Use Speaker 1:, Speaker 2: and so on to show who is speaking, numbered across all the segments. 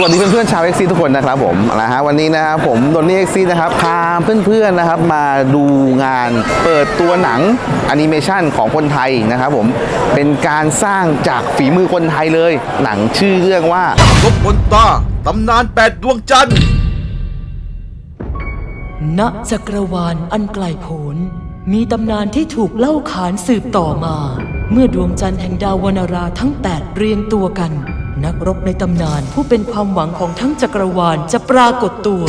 Speaker 1: วัสดีเพื่อนๆชาว XC ทุกคนนะครับผมวันนี้นะครับผมโดนนี่ XC นะครับพาเพื่อนๆนะครับมาดูงานเปิดตัวหนังแอนิเมชันของคนไทยนะครับผมเป็นการสร้างจากฝีมือคนไทยเลยหนังชื่อเรื่องว่า
Speaker 2: ลบบนตาตำนาน8 ดวงจันทร์
Speaker 3: ณจักรวาลอันไกลโพ้นมีตำนานที่ถูกเล่าขานสืบต่อมา เมื่อดวงจันทร์แห่งดาววนาราทั้ง8เรียงตัวกันนักรบในตำนานผู้เป็นความหวังของทั้งจักรวาลจะปรากฏตัว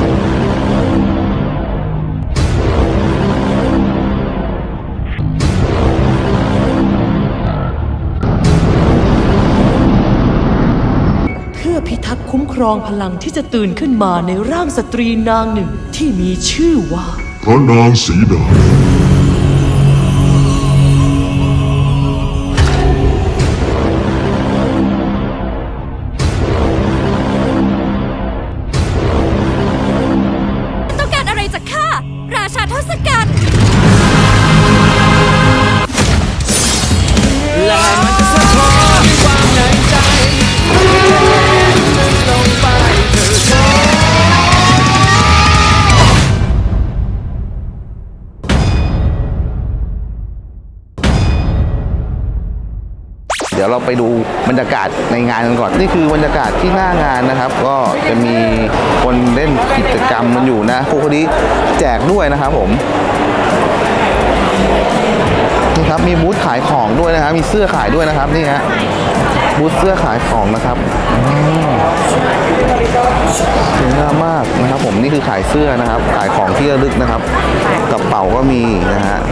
Speaker 3: เพื่อพิทักษ์คุ้มครองพลังที่จะตื่นขึ้นมาในร่างสตรีนางหนึ่งที่มีชื่อว่า
Speaker 4: พระนางสีดา
Speaker 5: ต้องการอะไรจากข้าราชาทศกัณฐ์
Speaker 2: และมันจะสะท้อนความในใจลงไปเธอ
Speaker 1: เดี๋ยวเราไปดูบรรยากาศในงานกันก่อนนี่คือบรรยากาศที่หน้างานนะครับก็จะมีคนเล่นกิจกรรมมันอยู่นะครูคนนี้แจกด้วยนะครับผมนี่ครับมีบูธขายของด้วยนะครับมีเสื้อขายด้วยนะครับนี่ฮะบูธเสื้อขายของนะครับสวยงามมากนะครับผมนี่คือขายเสื้อนะครับขายของที่ระลึกนะครับกระเป๋าก็มีนะฮะ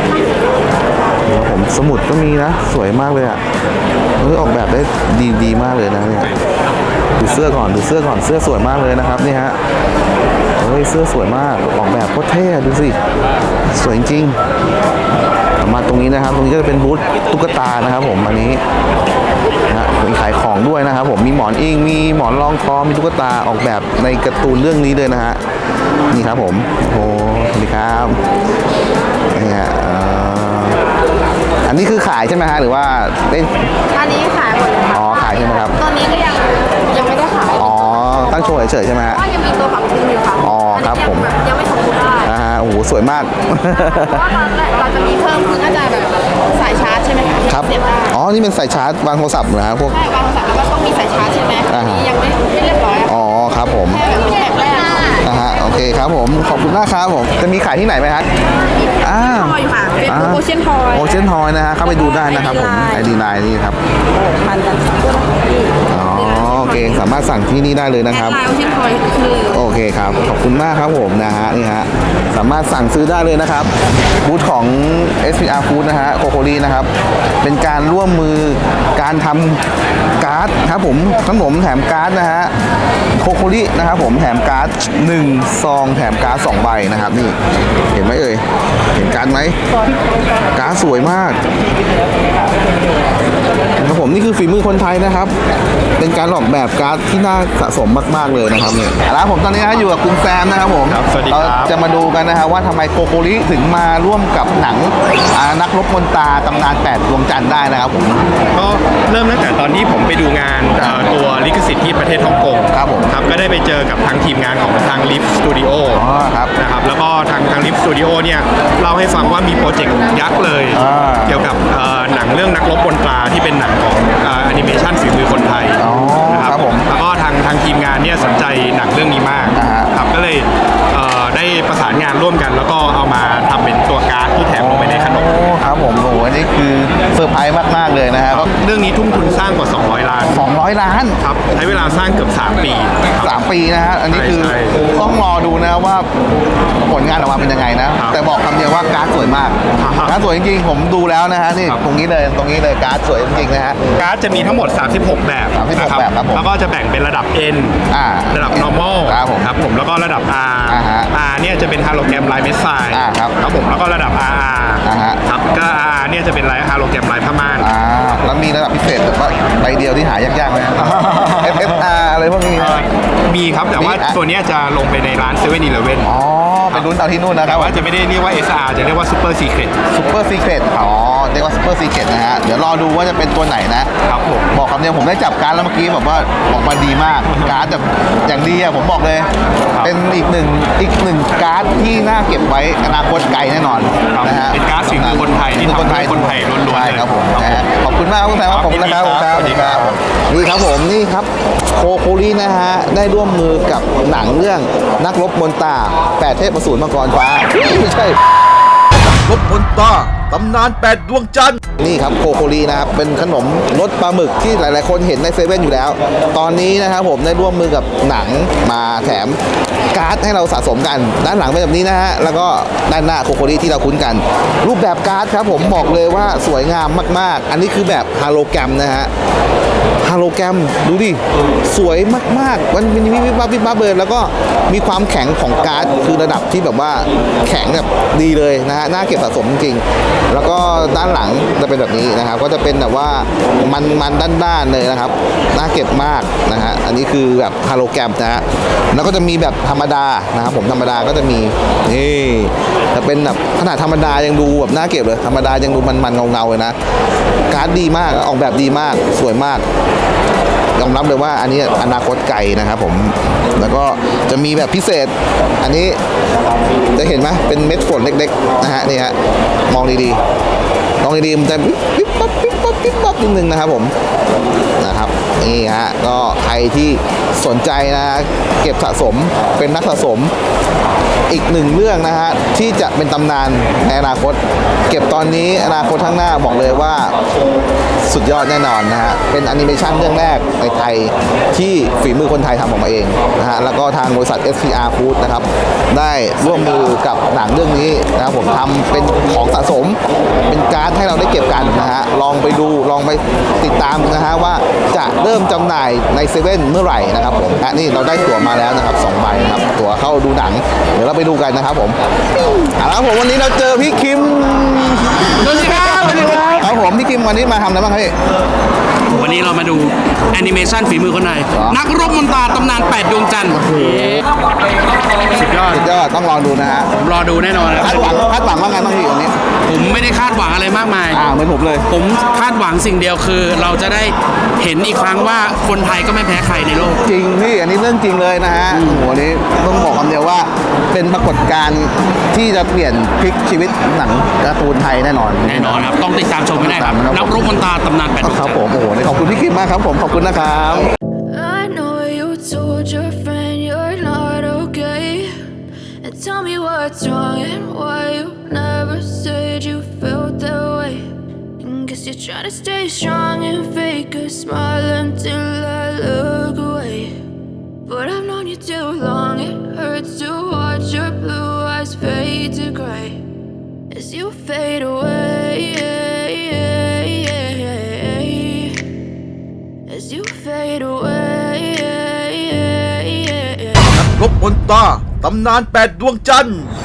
Speaker 1: ผมสมุดก็มีนะสวยมากเลยอ่ะออกแบบได้ดีมากเลยนะเนี่ยดูเสื้อก่อนเสื้อสวยมากเลยนะครับนี่ฮะเสื้อสวยมากออกแบบโคตรเท่ดูสิสวยจริงมาตรงนี้นะครับตรงนี้ก็จะเป็นบูธตุ๊กตานะครับผมอันนี้นะมีขายของด้วยนะครับผมมีหมอนอิงมีหมอนรองคอมีตุ๊กตาออกแบบในการ์ตูนเรื่องนี้เลยนะฮะนี่ครับผมโอ้สวัสดีครับนี่ฮะอันนี้คือขายใช่ไหมฮะหรือว่าเป็น
Speaker 5: อันนี้ขายหมดเลยค่ะ
Speaker 1: อ๋อขายใช่ไหมครับ
Speaker 5: ตอนนี้ก็ยังไม่ได้ขาย
Speaker 1: อ๋อตั้งโชว์เฉยๆใช่ไหมฮะ
Speaker 5: ว่ายังมีตัวปรับปรุงอยู่ค่ะ
Speaker 1: อ๋อครับผม
Speaker 5: ยังไม่สมบูรณ์ได้
Speaker 1: โอ้โหสวยมาก
Speaker 5: เพราะว่าตอนแรกเราจะมีเพิ่มคือน่าจะแบบสายชาร์จใช่ไหมคะ
Speaker 1: ครับ
Speaker 5: เสียบได้
Speaker 1: อ๋อนี่เป็นสายชาร์จวางโทรศัพท์นะพวก
Speaker 5: ใช่วางโทรศัพท์แล้วก็ต้องมีสายชาร์จใช่ไหมยังไม่เรียบร้อย
Speaker 1: อ๋อครับผม
Speaker 5: แค่แบบแบบแรก
Speaker 1: โอเคครับผมขอบคุณมากครับผมจะมีขายที่ไหนไหมฮะ
Speaker 5: ทอยอยู่ค่ะเป็นโอเชียนทอย
Speaker 1: โอเชียนทอยนะฮะเข้าไปดูได้นะครับผมID Lineนี่ครับ
Speaker 5: มันกัน
Speaker 1: อ๋อโอเคสามารถสั่งที่นี่ได้เลยนะครับ
Speaker 5: โอเชียนทอยคือ
Speaker 1: โอเคครับขอบคุณมากครับผมนะฮะนี่ฮะสามารถสั่งซื้อได้เลยนะครับบูธของ SPR Food นะฮะโคโคลีนะครับเป็นการร่วมมือการทำการ์ดครับผมขนมแถมการ์ดนะฮะโคโคลีนะครับผมแถมการ์ด1ซองแถมการ์ด2ใบนะครับนี่เห็นไหมเอ่ยเห็นการ์ดไหมการ์ดสวยมากครับผมนี่คือฝีมือคนไทยนะครับเป็นการออกแบบการ์ดที่น่าสะสมมากๆเลยนะครับเนี่ยแล้วผมตอนนี้อยู่กับคุณแซมนะครับผมเราจะมาดูกันนะครับว่าทำไมโคโคริถึงมาร่วมกับหนังนักรบมนตราตำนาน8ดวงจันทร์ได้นะครับผม
Speaker 6: ก็เริ่มตั้งแต่ตอนที่ผมไปดูงานตัวลิขสิทธิ์ที่ประเทศฮ่องกง
Speaker 1: ครับผม
Speaker 6: ครับก็ได้ไปเจอกับทางทีมงานของทางลิฟสตูดิโอนะครับแล้วก็ทางลิฟสตูดิโอเนี่ยเล่าให้ฟังว่ามีโปรเจกต์ยักษ์เลยเกี่ยวกับหนังเรื่องนักรบมนตราที่เป็นหนังของแอนิเมชันฝีมือคนไทย
Speaker 1: นะครับผม
Speaker 6: แล้วก็ทางทีมงานเนี่ยสนใจหนังเรื่องนี้มากครับก็เลยได้ประสานงานร่วมกันแล้วก็เอามาทำเป็นตัวการ์ดที่แถมลงไปในขนม
Speaker 1: ครับผมโอ้โหอันนี้คือเซอร์ไพรส์มากๆเลยนะครับ
Speaker 6: เรื่องนี้ทุ่มทุนสร้างกว่า200 ล้าน
Speaker 1: ครับ
Speaker 6: ใช้เวลาสร้างเกือบ3 ปี
Speaker 1: 3 ปีนะฮะอันนี้คือต้องรอดูนะว่าผลงานออกมาเป็นยังไงนะแต่บอกคำเดียวว่าการ์ดสวยมากการ์ดสวยจริงๆผมดูแล้วนะฮะนี่ตรงนี้เลยการ์ดสวยจริงๆนะฮะ
Speaker 6: การ์ดจะมีทั้งหมด36 แบบ
Speaker 1: แบบครับผม
Speaker 6: แล้วก็จะแบ่งเป็นระดับ N ระดับ normal ครับผมแล้วก็ระดับ R เนี่ยจะเป็นฮาโลแกรมลายเม็ดทรายครับผมแล้วก็ระดับ RR ครับก็ RR เนี่ยจะเป็นลายฮาโลแกรมลายผ้าม่าน
Speaker 1: แล้วมีระดับพิเศษแบบว่าใบเดียวที่หายากๆไหม FFR อะไรพวกนี้
Speaker 6: มีครับแต่ว่าตัวนี้จะลงไปในร้าน7-Eleven
Speaker 1: ไปลุ้นเอาที่นู่นนะครับ
Speaker 6: แต่ว่าจะไม่ได้เรียกว่า SR จะเรียกว่า Super Secret
Speaker 1: อ๋อเรียกว่าซูเปอร์ซีเกตนะฮะเดี๋ยวรอดูว่าจะเป็นตัวไหนนะครับ
Speaker 6: ผม
Speaker 1: บอกคำเดียวผมได้จับการ์ดแล้วเมื่อกี้แบบว่าออกมาดีมากการ์ดแบบอย่างดีอะผมบอกเลย เป็นอีกหนึ่งการ์ดที่น่าเก็บไว้อนาคตไกลแน่นอนนะฮะ
Speaker 6: เป็นการ์ดฝีมือคนไทยที่ทำให้คนไทยล้วนๆ
Speaker 1: ใช่
Speaker 6: เลย
Speaker 1: ครับผมนะฮะขอบคุณมากครับคุณแซมครับผมนะครับ
Speaker 6: สวัสดีครับ
Speaker 1: นี่ครับผมนี่ครับโคโคลีนะฮะได้ร่วมมือกับหนังเรื่องนักรบมนตรา8 เทพอสูรมังกรฟ้าไม่ใช่
Speaker 2: ลบบนตาตำนาน8 ดวงจันทร์
Speaker 1: นี่ครับโคโคลีนะครับเป็นขนมรสปลาหมึกที่หลายๆคนเห็นในเซเว่นอยู่แล้ว ตอนนี้นะครับผมได้ร่วมมือกับหนังมาแถมการ์ดให้เราสะสมกัน ด้านหลังเป็นแบบนี้นะฮะแล้วก็ด้านหน้าโคโคลีที่เราคุ้นกัน รูปแบบการ์ดครับผมบอกเลยว่าสวยงามมากๆ อันนี้คือแบบฮาโลแกรมนะฮะฮาโลแกรมดูดิสวยมากๆมันมีวิบวับวิบวับเลยแล้วก็มีความแข็งของการ์ดคือระดับที่แบบว่าแข็งแบบดีเลยนะฮะน่าเก็บสะสมจริงๆแล้วก็ด้านหลังจะเป็นแบบนี้นะครับก็จะเป็นแบบว่ามันด้านๆเลยนะครับน่าเก็บมากนะฮะอันนี้คือแบบฮาโลแกรมนะฮะแล้วก็จะมีแบบธรรมดานะครับผมธรรมดาก็จะมีนี่จะเป็นแบบขนาดธรรมดายังดูแบบน่าเก็บเลยธรรมดายังดูมันเงาๆเลยนะการ์ดดีมากออกแบบดีมากสวยมากยอมรับเลยว่าอันนี้อนาคตไกลนะครับผมแล้วก็จะมีแบบพิเศษอันนี้จะเห็นไหมเป็นเม็ดฝนเล็กๆนะฮะนี่ฮะมองดีๆมองดีๆมันจะปิ๊บปั๊บปิ๊บปั๊บปิ๊บปั๊บนิดนึงนะครับผมนะครับนี่ฮะก็ใครที่สนใจนะเก็บสะสมเป็นนักสะสมอีกหนึ่งเรื่องนะฮะที่จะเป็นตำนานในอนาคตเก็บตอนนี้อนาคตข้างหน้าบอกเลยว่าสุดยอดแน่นอนนะฮะเป็นแอนิเมชันเรื่องแรกในไทยที่ฝีมือคนไทยทำออกมาเองนะฮะแล้วก็ทางบริษัท SPR Food นะครับได้ร่วมมือกับหนังเรื่องนี้นะครับผมทำเป็นของสะสมเป็นการ์ดให้เราได้เก็บกันนะฮะลองไปดูลองไปติดตามนะฮะว่าจะเริ่มจำหน่ายในเซเว่นเมื่อไหร่นะครับผมและนี่เราได้ตั๋วมาแล้วนะครับ2 ใบนะครับตั๋วเข้าดูหนังเดี๋ยวเราไปดูกันนะครับผมเอาละครับผมวันนี้เราเจอพี่คิม
Speaker 4: สวัสดีครับสวัสดีครับ
Speaker 1: ครับผมพี่คิมวันนี้มาทำอะไรบ้างครับพี่
Speaker 4: วันนี้เรามาดูแอนิเมชันฝีมือคนไทย
Speaker 1: เหรอ
Speaker 4: นักรบมนตราตำนาน 8 ดวงจันทร์สุดยอด
Speaker 1: สุดยอดต้องลองดูนะฮะ
Speaker 4: ผมรอดูแน่นอนนะค
Speaker 1: คา
Speaker 4: รับ
Speaker 1: ดหวังว่าไงบ้างพี่วันนี้
Speaker 4: ผมไม่ได้คาดหวังอะไรมากมาย
Speaker 1: เหมือนผมเลย
Speaker 4: ผมคาดหวังสิ่งเดียวคือ เราจะได้เห็นอีกครั้งว่าคนไทยก็ไม่แพ้ใครในโลก
Speaker 1: จริงพี่อันนี้เรื่องจริงเลยนะฮะโอ้โหอันนี้ต้องบอกคำเดียวว่าเป็นปรากฏการณ์ที่จะเปลี่ยนพลิกชีวิตหนังการ์ตูนไทยแน่นอน
Speaker 4: แน่นอนครับ ต้องติดตามชมให้ได้ครับ
Speaker 1: ครับ
Speaker 4: นักรบมนตราตำนาน 8 ดวง
Speaker 1: ค
Speaker 4: จั
Speaker 1: รับ
Speaker 4: นท
Speaker 1: ผ
Speaker 4: ร์
Speaker 1: มโอ้โหนี่ขอบคุณพี่คิมมากครับผมขอบคุณนะครับ
Speaker 7: I know you told your friend you're not okay. And tell me what's wrong and why you never said you felt that way. And guess you're trying to stay strong and fake a smile until I look away. But I've known you too long, it hurts to watch your blue eyes fade to gray as you fade away. As you fade away.
Speaker 2: นักรบบนตาตำนาน8 ดวงจันทร์